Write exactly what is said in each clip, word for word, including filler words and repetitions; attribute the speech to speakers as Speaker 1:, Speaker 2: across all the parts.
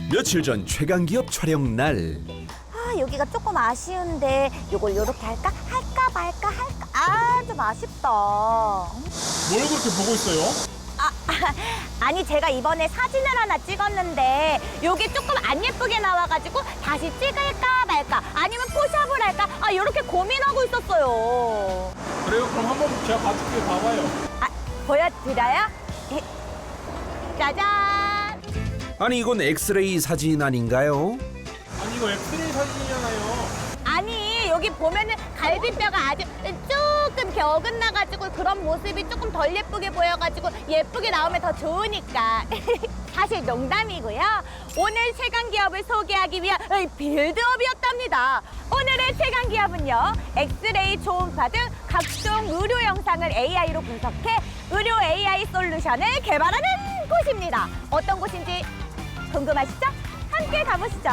Speaker 1: 며칠 전 최강기업 촬영 날.
Speaker 2: 아, 여기가 조금 아쉬운데 요걸 요렇게 할까? 할까 말까 할까? 아, 좀 아쉽다.
Speaker 3: 뭘 그렇게 보고 있어요?
Speaker 2: 아니, 제가 이번에 사진을 하나 찍었는데 요게 조금 안 예쁘게 나와가지고 다시 찍을까 말까 아니면 포샵을 할까? 아, 요렇게 고민하고 있었어요.
Speaker 3: 그래요? 그럼 한번 제가 봐줄게요. 봐봐요.
Speaker 2: 아, 보여드려요? 짜잔!
Speaker 1: 아니 이건 엑스레이 사진 아닌가요?
Speaker 3: 아니 이거 엑스레이 사진이잖아요.
Speaker 2: 아니, 여기 보면은 갈비뼈가 아주 조금 이렇게 어긋나가지고 그런 모습이 조금 덜 예쁘게 보여가지고 예쁘게 나오면 더 좋으니까. 사실 농담이고요. 오늘 최강기업을 소개하기 위한 빌드업이었답니다. 오늘의 최강기업은요, 엑스레이, 초음파 등 각종 의료 영상을 에이아이로 분석해 의료 에이아이 솔루션을 개발하는 곳입니다. 어떤 곳인지 궁금하시죠? 함께 가보시죠.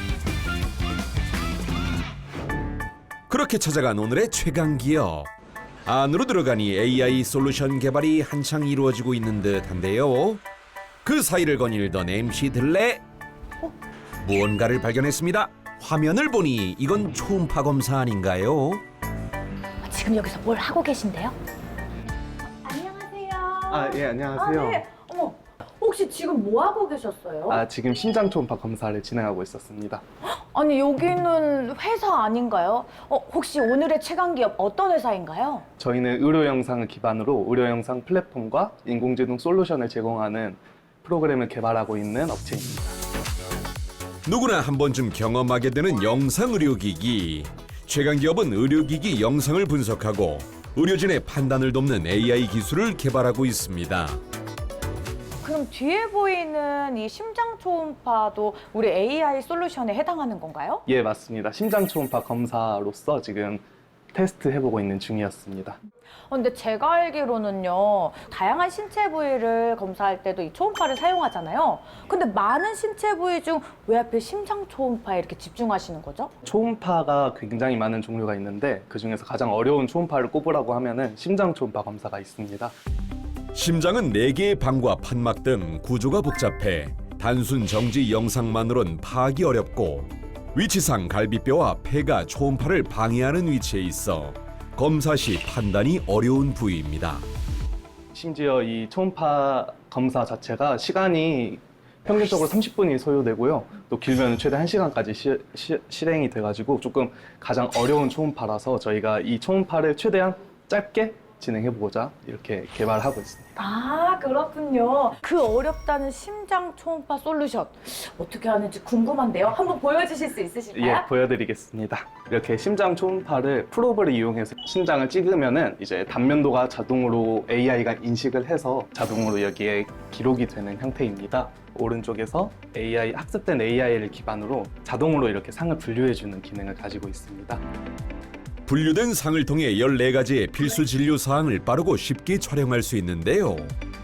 Speaker 1: 그렇게 찾아간 오늘의 최강기업. 안으로 들어가니 에이아이 솔루션 개발이 한창 이루어지고 있는 듯한데요. 그 사이를 거닐던 엠씨 들레 무언가를 발견했습니다. 화면을 보니 이건 초음파 검사 아닌가요?
Speaker 2: 지금 여기서 뭘 하고 계신데요? 안녕하세요.
Speaker 4: 아, 예, 안녕하세요.
Speaker 2: 아, 네. 어머, 혹시 지금 뭐 하고 계셨어요?
Speaker 4: 아, 지금 심장 초음파 검사를 진행하고 있었습니다.
Speaker 2: 아니, 여기는 회사 아닌가요? 어, 혹시 오늘의 최강기업 어떤 회사인가요?
Speaker 4: 저희는 의료 영상을 기반으로 의료 영상 플랫폼과 인공지능 솔루션을 제공하는 프로그램을 개발하고 있는 업체입니다.
Speaker 1: 누구나 한 번쯤 경험하게 되는 영상 의료기기. 최강기업은 의료기기 영상을 분석하고 의료진의 판단을 돕는 에이아이 기술을 개발하고 있습니다.
Speaker 5: 그럼 뒤에 보이는 이 심장 초음파도 우리 에이아이 솔루션에 해당하는 건가요?
Speaker 4: 예, 맞습니다. 심장 초음파 검사로서 지금 테스트 해보고 있는 중이었습니다.
Speaker 5: 어, 근데 제가 알기로는요, 다양한 신체 부위를 검사할 때도 이 초음파를 사용하잖아요. 근데 많은 신체 부위 중 왜 하필 심장 초음파에 이렇게 집중하시는 거죠?
Speaker 4: 초음파가 굉장히 많은 종류가 있는데 그중에서 가장 어려운 초음파를 꼽으라고 하면은 심장 초음파 검사가 있습니다.
Speaker 1: 심장은 네 개의 방과 판막 등 구조가 복잡해 단순 정지 영상만으론 파악이 어렵고 위치상 갈비뼈와 폐가 초음파를 방해하는 위치에 있어 검사 시 판단이 어려운 부위입니다.
Speaker 4: 심지어 이 초음파 검사 자체가 시간이 평균적으로 삼십 분이 소요되고요. 또 길면 최대 한 시간까지 시, 시, 실행이 돼가지고 조금 가장 어려운 초음파라서 저희가 이 초음파를 최대한 짧게 진행해보고자 이렇게 개발하고 있습니다.
Speaker 5: 아, 그렇군요. 그 어렵다는 심장 초음파 솔루션 어떻게 하는지 궁금한데요. 한번 보여주실 수 있으실까요?
Speaker 4: 예, 보여드리겠습니다. 이렇게 심장 초음파를 프로브를 이용해서 심장을 찍으면은 이제 단면도가 자동으로 에이아이가 인식을 해서 자동으로 여기에 기록이 되는 형태입니다. 오른쪽에서 에이아이, 학습된 에이아이를 기반으로 자동으로 이렇게 상을 분류해주는 기능을 가지고 있습니다.
Speaker 1: 분류된 상을 통해 열네 가지의 필수 진료 사항을 빠르고 쉽게 촬영할 수 있는데요.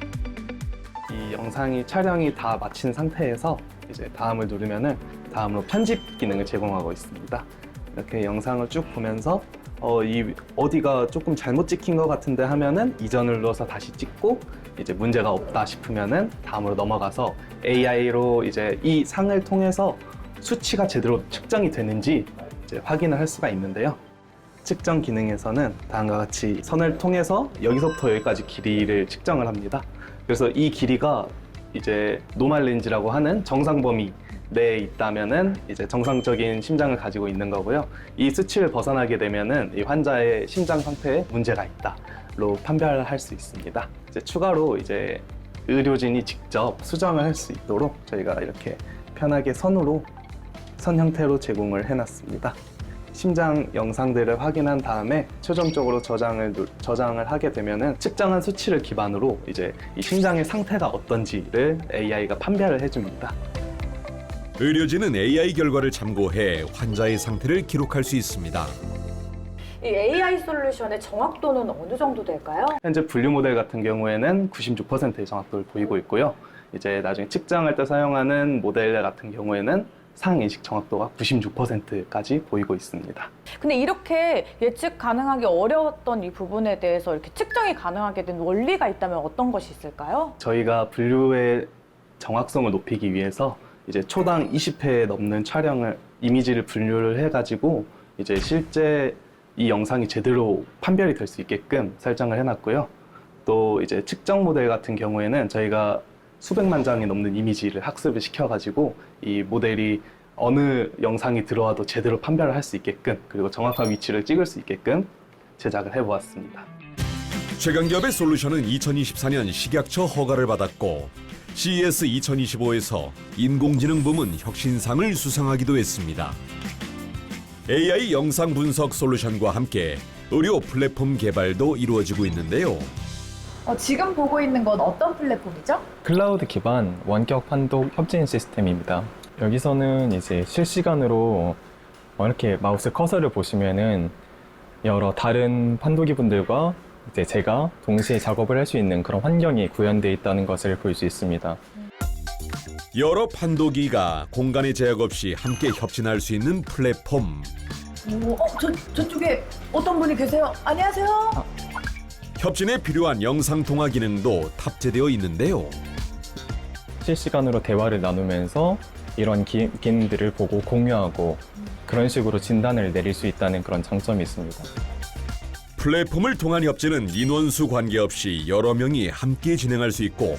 Speaker 4: 이 영상이 촬영이 다 마친 상태에서 이제 다음을 누르면은 다음으로 편집 기능을 제공하고 있습니다. 이렇게 영상을 쭉 보면서 어, 이 어디가 조금 잘못 찍힌 것 같은데 하면은 이전을 눌러서 다시 찍고 이제 문제가 없다 싶으면은 다음으로 넘어가서 에이아이로 이제 이 상을 통해서 수치가 제대로 측정이 되는지 이제 확인을 할 수가 있는데요. 측정 기능에서는 다음과 같이 선을 통해서 여기서부터 여기까지 길이를 측정을 합니다. 그래서 이 길이가 이제 노멀 렌즈라고 하는 정상 범위 내에 있다면은 이제 정상적인 심장을 가지고 있는 거고요. 이 수치를 벗어나게 되면은 이 환자의 심장 상태에 문제가 있다로 판별할 수 있습니다. 이제 추가로 이제 의료진이 직접 수정을 할 수 있도록 저희가 이렇게 편하게 선으로 선 형태로 제공을 해놨습니다. 심장 영상들을 확인한 다음에 최종적으로 저장을, 저장을 하게 되면은 측정한 수치를 기반으로 이제 이 심장의 상태가 어떤지를 에이아이가 판별을 해줍니다.
Speaker 1: 의료진은 에이아이 결과를 참고해 환자의 상태를 기록할 수 있습니다.
Speaker 5: 이 에이아이 솔루션의 정확도는 어느 정도 될까요?
Speaker 4: 현재 분류 모델 같은 경우에는 구십육 퍼센트의 정확도를 보이고 있고요. 이제 나중에 측정할 때 사용하는 모델 같은 경우에는 상인식 정확도가 구십육 퍼센트까지 보이고 있습니다.
Speaker 5: 근데 이렇게 예측 가능하기 어려웠던 이 부분에 대해서 이렇게 측정이 가능하게 된 원리가 있다면 어떤 것이 있을까요?
Speaker 4: 저희가 분류의 정확성을 높이기 위해서 이제 초당 이십 회 넘는 촬영을 이미지를 분류를 해가지고 이제 실제 이 영상이 제대로 판별이 될 수 있게끔 설정을 해놨고요. 또 이제 측정 모델 같은 경우에는 저희가 수백만 장이 넘는 이미지를 학습을 시켜가지고 이 모델이 어느 영상이 들어와도 제대로 판별을 할 수 있게끔 그리고 정확한 위치를 찍을 수 있게끔 제작을 해보았습니다.
Speaker 1: 최강기업의 솔루션은 이천이십사 년 식약처 허가를 받았고 씨이에스 이천이십오에서 인공지능 부문 혁신상을 수상하기도 했습니다. 에이아이 영상 분석 솔루션과 함께 의료 플랫폼 개발도 이루어지고 있는데요.
Speaker 5: 어, 지금 보고 있는 건 어떤 플랫폼이죠?
Speaker 6: 클라우드 기반 원격 판독 협진 시스템입니다. 여기서는 이제 실시간으로 이렇게 마우스 커서를 보시면은 여러 다른 판도기 분들과 이제 제가 동시에 작업을 할 수 있는 그런 환경이 구현되어 있다는 것을 볼 수 있습니다.
Speaker 1: 여러 판도기가 공간의 제약 없이 함께 협진할 수 있는 플랫폼.
Speaker 5: 오, 어, 저, 저쪽에 어떤 분이 계세요? 안녕하세요.
Speaker 1: 협진에 필요한 영상 통화 기능도 탑재되어 있는데요.
Speaker 6: 실시간으로 대화를 나누면서 이런 기, 기능들을 보고 공유하고 그런 식으로 진단을 내릴 수 있다는 그런 장점이 있습니다.
Speaker 1: 플랫폼을 통한 협진은 인원수 관계없이 여러 명이 함께 진행할 수 있고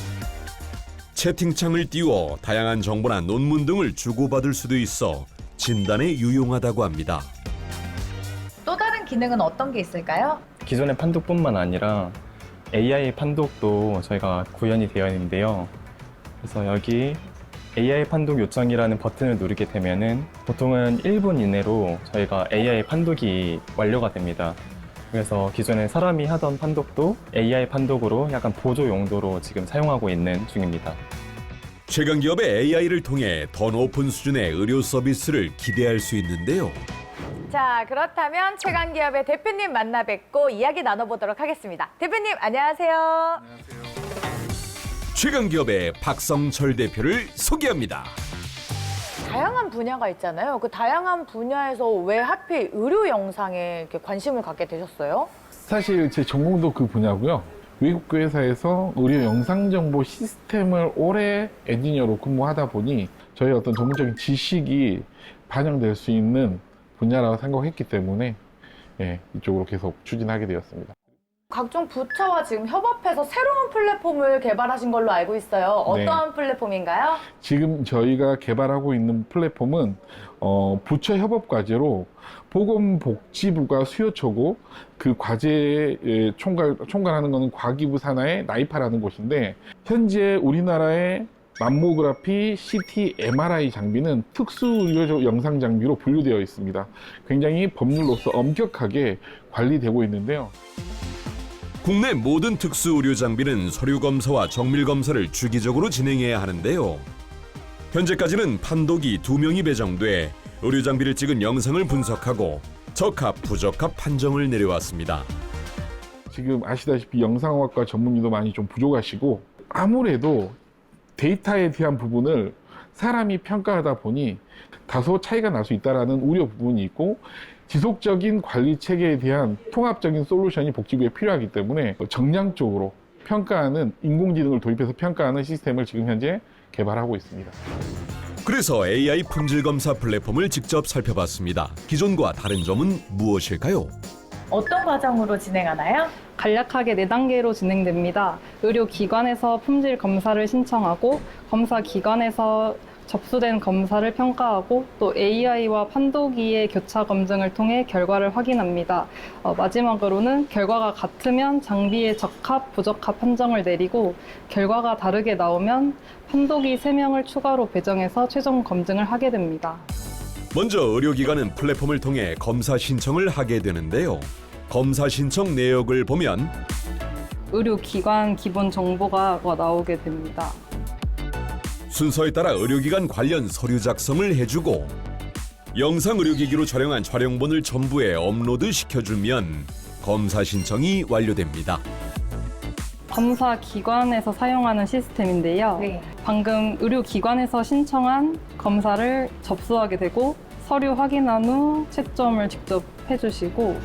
Speaker 1: 채팅창을 띄워 다양한 정보나 논문 등을 주고받을 수도 있어 진단에 유용하다고 합니다.
Speaker 5: 또 다른 기능은 어떤 게 있을까요?
Speaker 6: 기존의 판독뿐만 아니라 에이아이 판독도 저희가 구현이 되어 있는데요. 그래서 여기 에이아이 판독 요청이라는 버튼을 누르게 되면은 보통은 일 분 이내로 저희가 에이아이 판독이 완료가 됩니다. 그래서 기존에 사람이 하던 판독도 에이아이 판독으로 약간 보조 용도로 지금 사용하고 있는 중입니다.
Speaker 1: 최강기업의 에이아이를 통해 더 높은 수준의 의료 서비스를 기대할 수 있는데요.
Speaker 5: 자, 그렇다면 최강기업의 대표님 만나 뵙고 이야기 나눠보도록 하겠습니다. 대표님, 안녕하세요.
Speaker 1: 최강기업의 박성철 대표를 소개합니다.
Speaker 5: 다양한 분야가 있잖아요. 그 다양한 분야에서 왜 하필 의료 영상에 이렇게 관심을 갖게 되셨어요?
Speaker 7: 사실 제 전공도 그 분야고요. 외국 회사에서 의료 영상 정보 시스템을 오래 엔지니어로 근무하다 보니 저희 어떤 전문적인 지식이 반영될 수 있는 분야라고 생각했기 때문에 예, 이쪽으로 계속 추진하게 되었습니다.
Speaker 5: 각종 부처와 지금 협업해서 새로운 플랫폼을 개발하신 걸로 알고 있어요. 어떠한 네. 플랫폼인가요?
Speaker 7: 지금 저희가 개발하고 있는 플랫폼은 어, 부처 협업 과제로 보건복지부가 수요처고 그 과제에 총괄, 총괄하는 것은 과기부 산하의 나이파라는 곳인데 현재 우리나라의 맘모그래피, 씨티, 엠알아이 장비는 특수의료 영상 장비로 분류되어 있습니다. 굉장히 법률로서 엄격하게 관리되고 있는데요.
Speaker 1: 국내 모든 특수 의료 장비는 서류 검사와 정밀 검사를 주기적으로 진행해야 하는데요. 현재까지는 판독이 두 명이 배정돼 의료 장비를 찍은 영상을 분석하고 적합, 부적합 판정을 내려왔습니다.
Speaker 7: 지금 아시다시피 영상학과 전문의도 많이 좀 부족하시고 아무래도 데이터에 대한 부분을 사람이 평가하다 보니 다소 차이가 날 수 있다는 우려 부분이 있고 지속적인 관리 체계에 대한 통합적인 솔루션이 복지부에 필요하기 때문에 정량적으로 평가하는 인공지능을 도입해서 평가하는 시스템을 지금 현재 개발하고 있습니다.
Speaker 1: 그래서 에이아이 품질 검사 플랫폼을 직접 살펴봤습니다. 기존과 다른 점은 무엇일까요?
Speaker 5: 어떤 과정으로 진행하나요?
Speaker 8: 간략하게 네 단계로 진행됩니다. 의료기관에서 품질 검사를 신청하고 검사기관에서 접수된 검사를 평가하고 또 에이아이와 판도기의 교차 검증을 통해 결과를 확인합니다. 어, 마지막으로는 결과가 같으면 장비의 적합, 부적합 판정을 내리고 결과가 다르게 나오면 판도기 세 명을 추가로 배정해서 최종 검증을 하게 됩니다.
Speaker 1: 먼저 의료기관은 플랫폼을 통해 검사 신청을 하게 되는데요. 검사 신청 내역을 보면
Speaker 8: 의료기관 기본 정보가 나오게 됩니다.
Speaker 1: 순서에 따라 의료기관 관련 서류 작성을 해주고 영상 의료기기로 촬영한 촬영본을 첨부해 업로드 시켜주면 검사 신청이 완료됩니다.
Speaker 8: 검사 기관에서 사용하는 시스템인데요.
Speaker 5: 네.
Speaker 8: 방금 의료기관에서 신청한 검사를 접수하게 되고 서류 확인한 후 채점을 직접 해주시고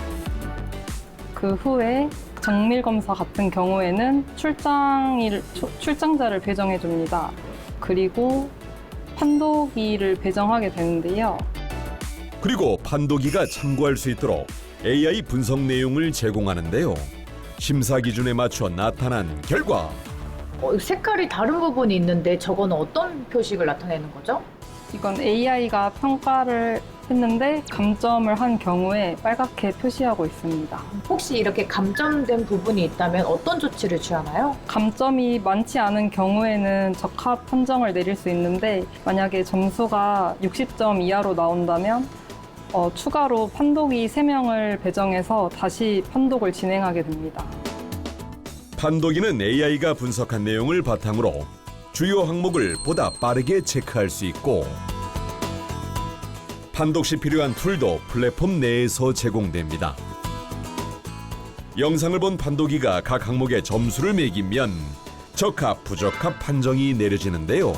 Speaker 8: 그 후에 정밀 검사 같은 경우에는 출장일, 출장자를 배정해 줍니다. 그리고 판도기를 배정하게 되는데요.
Speaker 1: 그리고 판도기가 참고할 수 있도록 에이아이 분석 내용을 제공하는데요. 심사 기준에 맞춰 나타난 결과
Speaker 5: 어, 색깔이 다른 부분이 있는데 저건 어떤 표식을 나타내는 거죠?
Speaker 8: 이건 에이아이가 평가를 했는데 감점을 한 경우에 빨갛게 표시하고 있습니다.
Speaker 5: 혹시 이렇게 감점된 부분이 있다면 어떤 조치를 취하나요?
Speaker 8: 감점이 많지 않은 경우에는 적합 판정을 내릴 수 있는데 만약에 점수가 육십 점 이하로 나온다면 어, 추가로 판독이 세 명을 배정해서 다시 판독을 진행하게 됩니다.
Speaker 1: 판도기는 에이아이가 분석한 내용을 바탕으로 주요 항목을 보다 빠르게 체크할 수 있고 판독 시 필요한 툴도 플랫폼 내에서 제공됩니다. 영상을 본 판도기가 각 항목에 점수를 매기면 적합, 부적합 판정이 내려지는데요.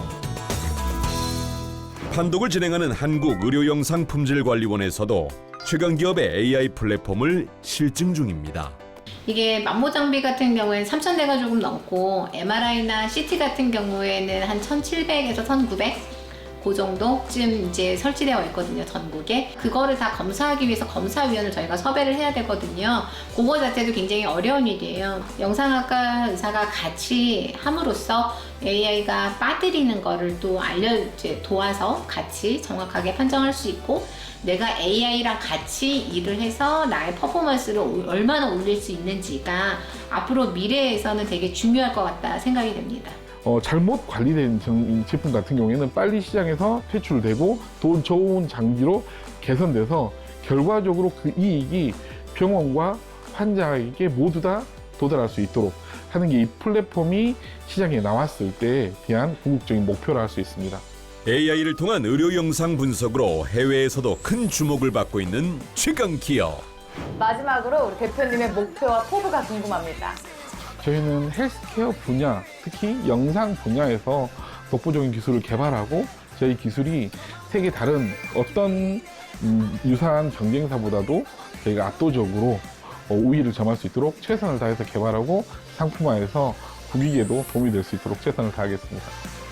Speaker 1: 판독을 진행하는 한국의료영상품질관리원에서도 최강기업의 에이아이 플랫폼을 실증 중입니다.
Speaker 9: 이게 만모 장비 같은 경우에는 삼천 대가 조금 넘고 엠알아이나 씨티 같은 경우에는 한 천칠백에서 천구백 그 정도쯤 이제 설치되어 있거든요, 전국에. 그거를 다 검사하기 위해서 검사위원을 저희가 섭외를 해야 되거든요. 그거 자체도 굉장히 어려운 일이에요. 영상학과 의사가 같이 함으로써 에이아이가 빠뜨리는 거를 또 알려 이제 도와서 같이 정확하게 판정할 수 있고 내가 에이아이랑 같이 일을 해서 나의 퍼포먼스를 얼마나 올릴 수 있는지가 앞으로 미래에서는 되게 중요할 것 같다 생각이 됩니다.
Speaker 7: 어, 잘못 관리된 정- 제품 같은 경우에는 빨리 시장에서 퇴출되고 돈 좋은 장비로 개선돼서 결과적으로 그 이익이 병원과 환자에게 모두 다 도달할 수 있도록 하는 게 이 플랫폼이 시장에 나왔을 때에 대한 궁극적인 목표라 할 수 있습니다.
Speaker 1: 에이아이를 통한 의료 영상 분석으로 해외에서도 큰 주목을 받고 있는 최강기업.
Speaker 5: 마지막으로 우리 대표님의 목표와 포부가 궁금합니다.
Speaker 7: 저희는 헬스케어 분야, 특히 영상 분야에서 독보적인 기술을 개발하고 저희 기술이 세계 다른 어떤 음, 유사한 경쟁사보다도 저희가 압도적으로 어, 우위를 점할 수 있도록 최선을 다해서 개발하고 상품화해서 국익에도 도움이 될 수 있도록 최선을 다하겠습니다.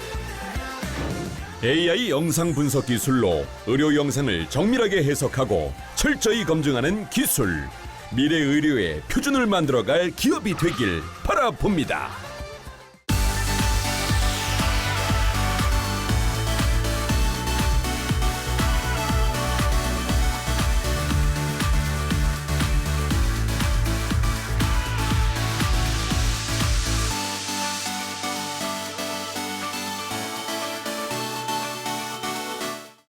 Speaker 1: 에이아이 영상 분석 기술로 의료 영상을 정밀하게 해석하고 철저히 검증하는 기술. 미래 의료의 표준을 만들어갈 기업이 되길 바라봅니다.